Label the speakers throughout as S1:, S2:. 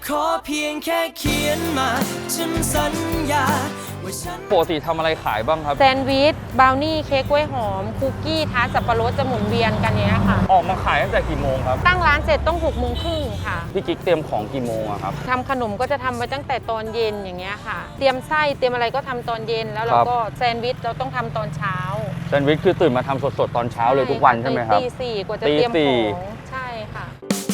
S1: ขอเพียงแค่เขียนมาฉันสัญญา
S2: ปกติทำอะไรขายบ้างครับ
S3: แซนด์วิชบราวนี่เค้กกล้วยหอมคุกกี้ทาร์ตสับปะรดจะหมุนเวียนกันเนี้ยค่ะ
S2: ออกมาขายตั้งแต่กี่โมงครับ
S3: ตั้งร้านเสร็จต้อง6 โมงครึ่งค่ะ
S2: พี่กิ๊กเตรียมของกี่โมงอะครับ
S3: ทำขนมก็จะทำไปตั้งแต่ตอนเย็นอย่างเงี้ยค่ะเตรียมไส้เตรียมอะไรก็ทำตอนเย็นแล้วเราก็แซนด์วิชเราต้องทำตอนเช้า
S2: แซนด์วิชคือตื่นมาทำสดๆตอนเช้าเลยทุกวันใช่ไหมครับ
S3: ตี 4กว่าจะเตรียมของใช่ค่ะ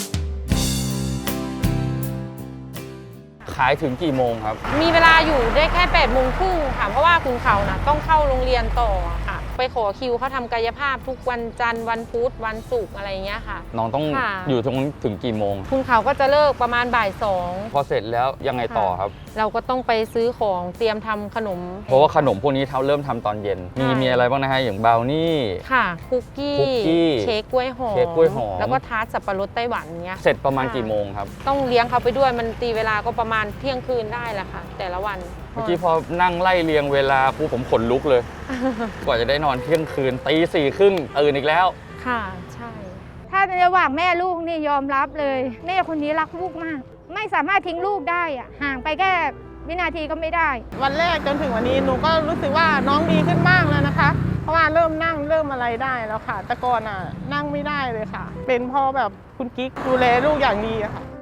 S2: ขายถึงกี่โมงครับ
S3: มีเวลาอยู่ได้แค่8 โมงครึ่งค่ะเพราะว่าคุณเขานะต้องเข้าโรงเรียนต่อค่ะไปขอคิวเขาทำกายภาพทุกวันจันทร์วันพุธวันศุกร์อะไรเงี้ยค่ะ
S2: น้องต้องอยู่ตรงนี้ถึงกี่โมง
S3: คุณเขาก็จะเลิกประมาณบ่าย 2
S2: พอเสร็จแล้วยังไงต่อครับ
S3: เราก็ต้องไปซื้อของเตรียมทำขนม
S2: เพราะว่าขนมพวกนี้เริ่มทำตอนเย็นมีอะไรบ้างนะฮะอย่างบราวนี่
S3: ค่ะคุกกี้เค้กกล้วยหอมแล้วก็ทาร์ตสับปะรดไต้หวันเงี้ย
S2: เสร็จประมาณกี่โมงครับ
S3: ต้องเลี้ยงเขาไปด้วยมันตีเวลาก็ประมาณเที่ยงคืนได้แหละค่ะแต่ละวัน
S2: เมื่อกี้พอนั่งไล่เรียงเวลาผมขนลุกเลย กว่าจะได้นอนเที่ยงคืนตี 4 ครึ่งตื่นอีกแล้ว
S3: ค่ะใช่
S4: ถ้าในระหว่างแม่ลูกนี่ยอมรับเลยแม่คนนี้รักลูกมากไม่สามารถทิ้งลูกได้อะห่างไปแค่วินาทีก็ไม่ได้
S5: วันแรกจนถึงวันนี้หนูก็รู้สึกว่าน้องดีขึ้นมากแล้วนะคะเพราะว่าเริ่มนั่งเริ่มอะไรได้แล้วค่ะแต่ก่อนนั่งไม่ได้เลยค่ะเป็นเพราะแบบคุณกิ๊กดูแลลูกอย่างดีอะค่ะ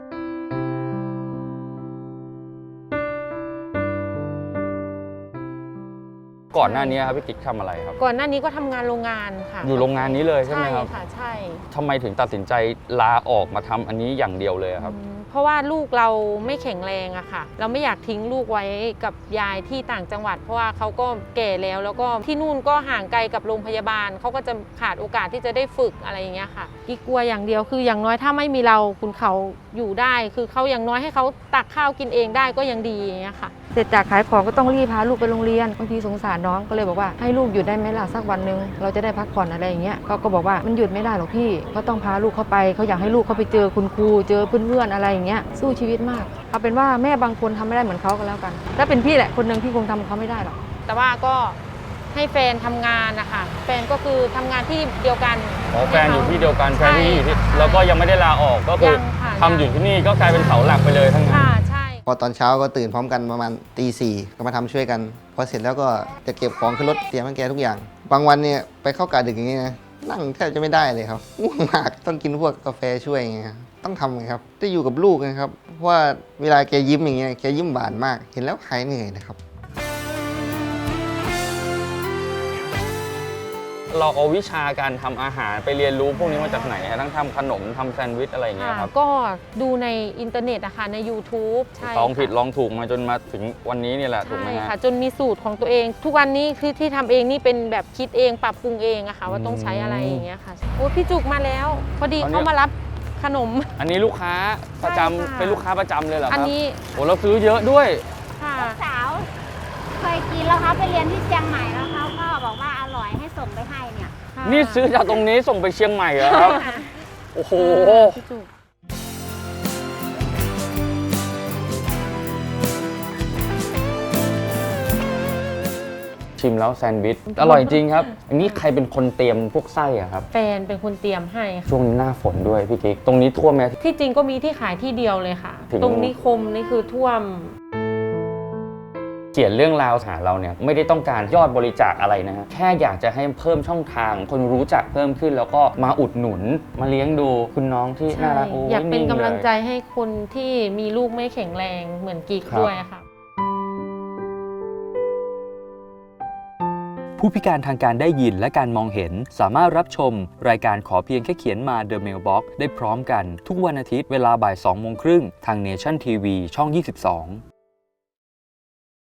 S2: ก่อนหน้านี้ครับพี่กิ๊กทำอะไรครับ
S3: ก่อนหน้านี้ก็ทำงานโรงงานค่ะ
S2: อยู่โรงงานนี้เลยใช่ไหมครับ
S3: ใช่ค่ะใช่
S2: ทำไมถึงตัดสินใจลาออกมาทำอันนี้อย่างเดียวเลยครับ
S3: เพราะว่าลูกเราไม่แข็งแรงอะค่ะเราไม่อยากทิ้งลูกไว้กับยายที่ต่างจังหวัดเพราะว่าเขาก็แก่แล้วก็ที่นู่นก็ห่างไกลกับโรงพยาบาลเขาก็จะขาดโอกาสที่จะได้ฝึกอะไรอย่างเงี้ยค่ะกิ๊กกลัวอย่างเดียวคืออย่างน้อยถ้าไม่มีเราคุณเขาอยู่ได้คือเขาอย่างน้อยให้เขาตักข้าวกินเองได้ก็ยังดีอย่างเงี้ยค่ะ
S4: เสร็จจากขายของก็ต้องรีบพาลูกไปโรงเรียนบางทีสงสารน้องก็เลยบอกว่าให้ลูกหยุดได้ไหมล่ะสักวันนึงเราจะได้พักผ่อนอะไรอย่างเงี้ยก็บอกว่ามันหยุดไม่ได้หรอกพี่ก็ต้องพาลูกเข้าไปเขาอยากให้ลูกเขาไปเจอคุณครูเจอเพื่อนๆอะไรอย่างเงี้ยสู้ชีวิตมากเอาเป็นว่าแม่บางคนทำไม่ได้เหมือนเขาก็แล้วกันถ้าเป็นพี่แหละคนหนึ่งพี่คงทำเขาไม่ได้หรอก
S3: แต่ว่าก็ให้แฟนทำงานนะคะแฟนก็คือทำงานที่เดียวกัน
S2: แฟนอยู่ที่เดียวกันแฟนที่อยู่ที่แล้วก็ยังไม่ได้ลาออกก็คือทำอยู่ที่นี่ก็กลายเป็นเสาหลักไปเลยทั้งนั้น
S3: ใช่
S6: พอตอนเช้าก็ตื่นพร้อมกันประมาณตี 4ก็มาทำช่วยกันพอเสร็จแล้วก็จะเก็บของขึ้นรถเตรียมให้แกทุกอย่างบางวันเนี่ยไปเข้ากะดึกอย่างนี้นะนั่งแทบจะไม่ได้เลยครับง่วงมากต้องกินพวกกาแฟช่วยไงครับต้องทำไงครับจะอยู่กับลูกนะครับเพราะว่าเวลาแกยิ้มอย่างเงี้ยแกยิ้มหวานมากเห็นแล้วหายเหนื่อยนะครับ
S2: เราเอาวิชาการทำอาหารไปเรียนรู้พวกนี้มาจากไหนฮะทั้งทำขนมทำแซนด์วิชอะไรอย่างเงี้ยครับ
S3: ก็ดูในอินเทอร์เน็ตนะคะใน YouTube ใช่
S2: ลองผิดลองถูกมาจนมาถึงวันนี้นี่แหละถูกไหมฮะ
S3: ค่ะจนมีสูตรของตัวเองทุกวันนี้คือที่ทำเองนี่เป็นแบบคิดเองปรับปรุงเองอะค่ะว่าต้องใช้อะไรอย่างเงี้ยค่ะโอ้พี่จุกมาแล้วพอดีเขามารับขนม
S2: อันนี้ลูกค้าประจำเป็นลูกค้าประจำเลยเหรอครับ
S3: อันนี้
S2: โอ้เราซื้อเยอะด้วย
S4: ค่ะสาวเคยกินแล้วเขาไปเรียนที่เชียงใหม่แล้วเขาก็บอกว่าอร่อยให้ส่งไปให้เนี่ย
S2: นี่ซื้อจากตรงนี้ส่งไปเชียงใหม่เหรอครับโอ้โหชิมแล้วแซนด์วิชอร่อยจริงครับอันนี้ใครเป็นคนเตรียมพวกไส้อะครับ
S3: แฟนเป็นคนเตรียมให้
S2: ช่วงนี้หน้าฝนด้วยพี่กิ๊กตรงนี้ท่วมไหม
S3: ที่จริงก็มีที่ขายที่เดียวเลยค่ะตรงนิคมนี่คือท่วม
S2: เขียนเรื่องราวหาเราเนี่ยไม่ได้ต้องการยอดบริจาคอะไรนะฮะแค่อยากจะให้เพิ่มช่องทางคนรู้จักเพิ่มขึ้นแล้วก็มาอุดหนุนมาเลี้ยงดูคุณน้องที่น่ารัก
S3: อยากเป็นกำลังใจให้คนที่มีลูกไม่แข็งแรงเหมือนกิ๊กด้วยค่ะ
S7: ผู้พิการทางการได้ยินและการมองเห็นสามารถรับชมรายการขอเพียงแค่เขียนมา The Mailbox ได้พร้อมกันทุกวันอาทิตย์เวลาบ่าย 2 โมงครึ่งทาง Nation TV ช่อง 22